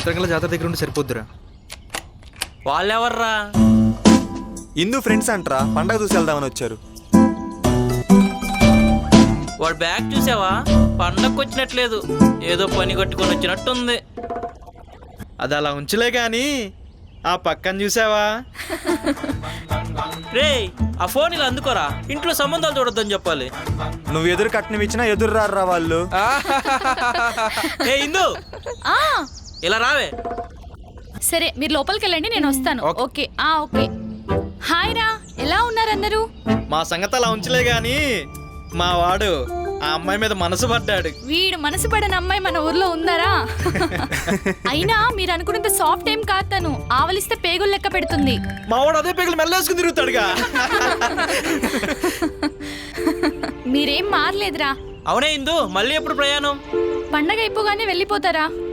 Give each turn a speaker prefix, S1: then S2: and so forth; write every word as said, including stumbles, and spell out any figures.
S1: సాయంత్రం జాతర దగ్గర ఉండి సరిపోద్దురా.
S2: వాళ్ళెవర్రా?
S3: ఇందు ఫ్రెండ్స్ అంటరా, పండగ చూసి వెళ్దామని వచ్చారు.
S2: వాడు బ్యాగ్ చూసావా? పండగకు వచ్చినట్లేదు, ఏదో పని కట్టుకొని వచ్చినట్టుంది.
S1: అది అలా ఉంచలే కానీ ఆ పక్కన చూసావా?
S2: రే, ఆ ఫోన్ ఇలా అందుకోరా, ఇంట్లో సంబంధాలు చూడొద్దని చెప్పాలి.
S3: నువ్వు ఎదురు కట్నం ఇచ్చినా ఎదురు రారా వాళ్ళు.
S2: ఏ ఇందు,
S4: ఆ
S2: ఇలా రావే.
S4: సరే, మీరు లోపలికి వెళ్ళండి, నేను వస్తాను. ఓకే ఆ ఓకే. హాయ్ రా, ఎలా ఉన్నారు అందరూ?
S1: మా సంగతి అలా ఉంచలే గాని మా వాడు ఆ అమ్మాయి మీద మనసు పడ్డాడు.
S4: వీడు మనసు పడని అమ్మాయి మన ఊర్లో ఉందారా? అయినా మీరు అనుకున్నంత సాఫ్ట్ ఏం కాదు తను. ఆవలిస్తే పేగులు లెక్క పెడుతుంది.
S1: మా వాడు అదే పేగులు మెల్లేసుకుని తిరుగుతాడుగా.
S4: మీరేం మారలేదురా.
S2: అవునే ఇందు, మళ్ళీ ఎప్పుడు ప్రయాణం?
S4: పండగ అయిపోగానే వెళ్ళిపోతారా?